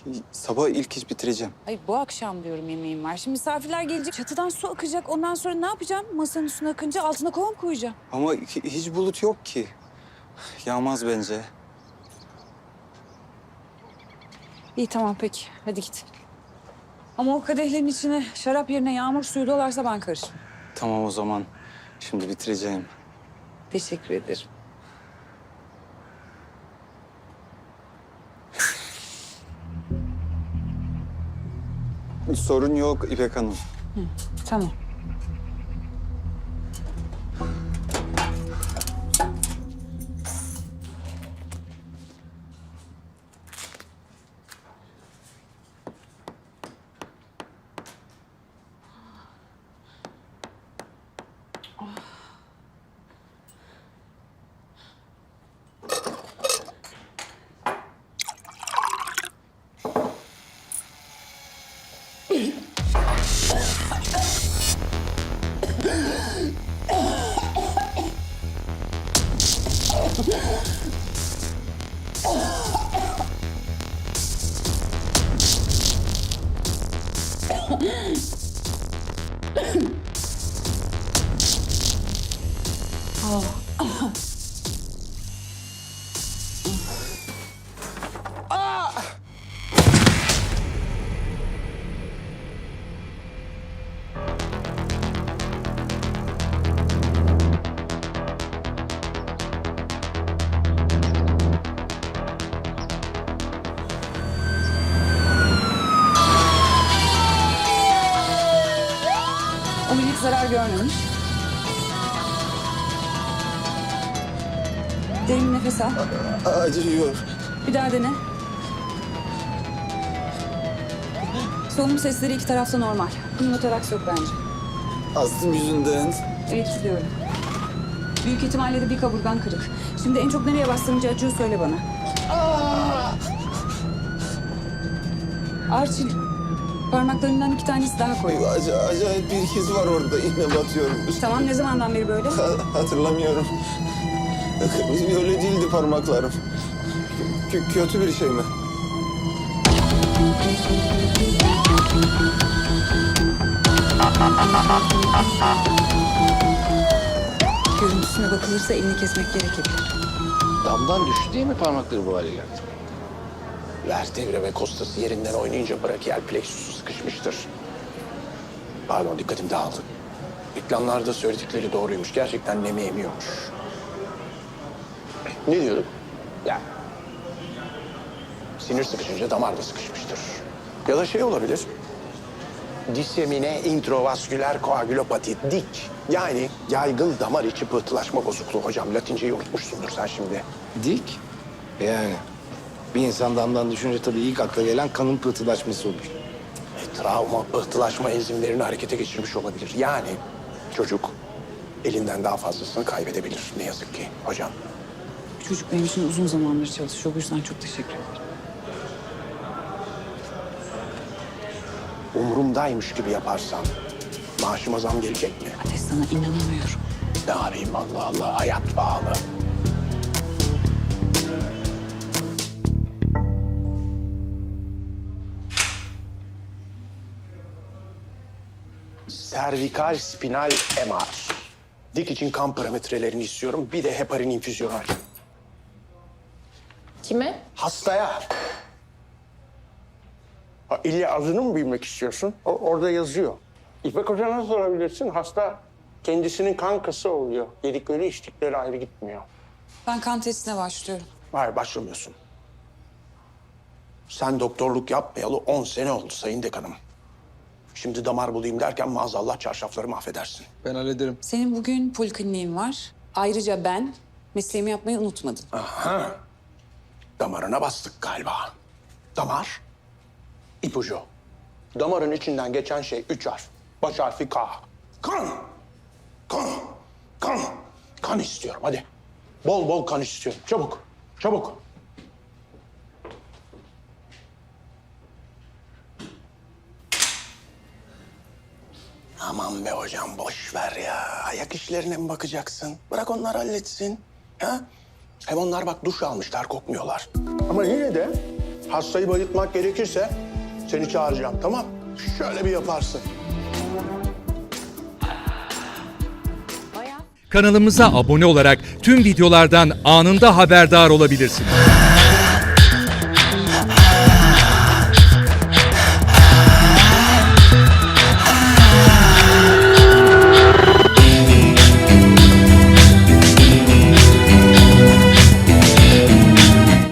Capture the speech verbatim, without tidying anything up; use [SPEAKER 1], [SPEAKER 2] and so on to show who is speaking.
[SPEAKER 1] Sabah ilk iş bitireceğim.
[SPEAKER 2] Ay bu akşam diyorum yemeğim var. Şimdi misafirler gelecek, çatıdan su akacak. Ondan sonra ne yapacağım? Masanın üstüne akınca altına kova mı koyacağım?
[SPEAKER 1] Ama hi- hiç bulut yok ki. Yağmaz bence.
[SPEAKER 2] İyi tamam peki. Hadi git. Ama o kadehlerin içine şarap yerine yağmur suyu dolarsa ben karışmam.
[SPEAKER 1] Tamam o zaman. Şimdi bitireceğim.
[SPEAKER 2] Teşekkür ederim.
[SPEAKER 1] Sorun yok İpek Hanım.
[SPEAKER 2] Tamam. Omurilik zarar görmemiş. Derin nefes al.
[SPEAKER 1] Acıyor.
[SPEAKER 2] Bir daha dene. Solunum sesleri iki tarafta normal. Pneumotoraks yok bence.
[SPEAKER 1] Astım yüzünden.
[SPEAKER 2] Evet gidiyorum. Büyük ihtimalle de bir kaburgan kırık. Şimdi en çok nereye bastırınca acıyor söyle bana. Arçil, parmaklarından iki tanesi daha koyu.
[SPEAKER 1] Ac- acayip bir his var orada. İğne batıyorum.
[SPEAKER 2] Tamam ne zamandan beri böyle?
[SPEAKER 1] Ha- hatırlamıyorum. Öyle değildi parmaklarım. Kö- kötü bir şey mi?
[SPEAKER 2] Görüntüsüne bakılırsa elini kesmek gerekebilir.
[SPEAKER 3] Damdan düştü diye mi parmakları bu hale geldi?
[SPEAKER 4] Vertebre ve kostası yerinden oynayınca brachial plexusu sıkışmıştır. Pardon, dikkatim dağıldı. Reklamlarda söyledikleri doğruymuş. Gerçekten nemi emiyormuş. Ne diyorduk? Ya, sinir sıkışınca damar da sıkışmıştır. Ya da şey olabilir. Disemine introvasküler koagülopati, dik. Yani yaygın damar içi pıhtılaşma bozukluğu hocam. Latinceyi unutmuşsundur sen şimdi.
[SPEAKER 3] Dik. Yani bir insan damdan düşünce tabii ilk akla gelen kanın pıhtılaşması olur.
[SPEAKER 4] E, travma, pıhtılaşma enzimlerini harekete geçirmiş olabilir. Yani çocuk elinden daha fazlasını kaybedebilir ne yazık ki hocam.
[SPEAKER 2] Çocuk benim için uzun zamandır çalışıyor. Bu yüzden çok teşekkür ederim.
[SPEAKER 4] Umurumdaymış gibi yaparsam maaşıma zam gelecek mi?
[SPEAKER 2] Ateş sana inanamıyorum.
[SPEAKER 4] Ne yapayım Allah Allah, hayat pahalı. Servikal spinal M R. Dik için kan parametrelerini istiyorum. Bir de heparin infüzyonal.
[SPEAKER 5] Kime?
[SPEAKER 4] Hastaya. Ha, illa adını mı bilmek istiyorsun? O, orada yazıyor. İpek Hoca'na sorabilirsin. Hasta kendisinin kankası oluyor. Yedikleri içtikleri ayrı gitmiyor.
[SPEAKER 2] Ben kan testine başlıyorum.
[SPEAKER 4] Hayır, başlamıyorsun. Sen doktorluk yapmayalı on sene oldu sayın dekanım. Şimdi damar bulayım derken maazallah çarşafları mahvedersin.
[SPEAKER 1] Ben hallederim.
[SPEAKER 2] Senin bugün polikliniğin var. Ayrıca ben mesleğimi yapmayı unutmadım.
[SPEAKER 4] Aha. Damarına bastık galiba. Damar, ipucu. Damarın içinden geçen şey üç harf. Baş harfi K. Kan! Kan! Kan! Kan istiyorum hadi. Bol bol kan istiyorum. Çabuk, çabuk. Aman be hocam boş ver ya. Ayak işlerine mi bakacaksın? Bırak onlar halletsin. Ha? Hem onlar bak duş almışlar kokmuyorlar. Ama yine de Hastayı bayıltmak gerekirse seni çağıracağım, tamam? Şöyle bir yaparsın.
[SPEAKER 5] Kanalımıza abone olarak tüm videolardan anında haberdar olabilirsiniz.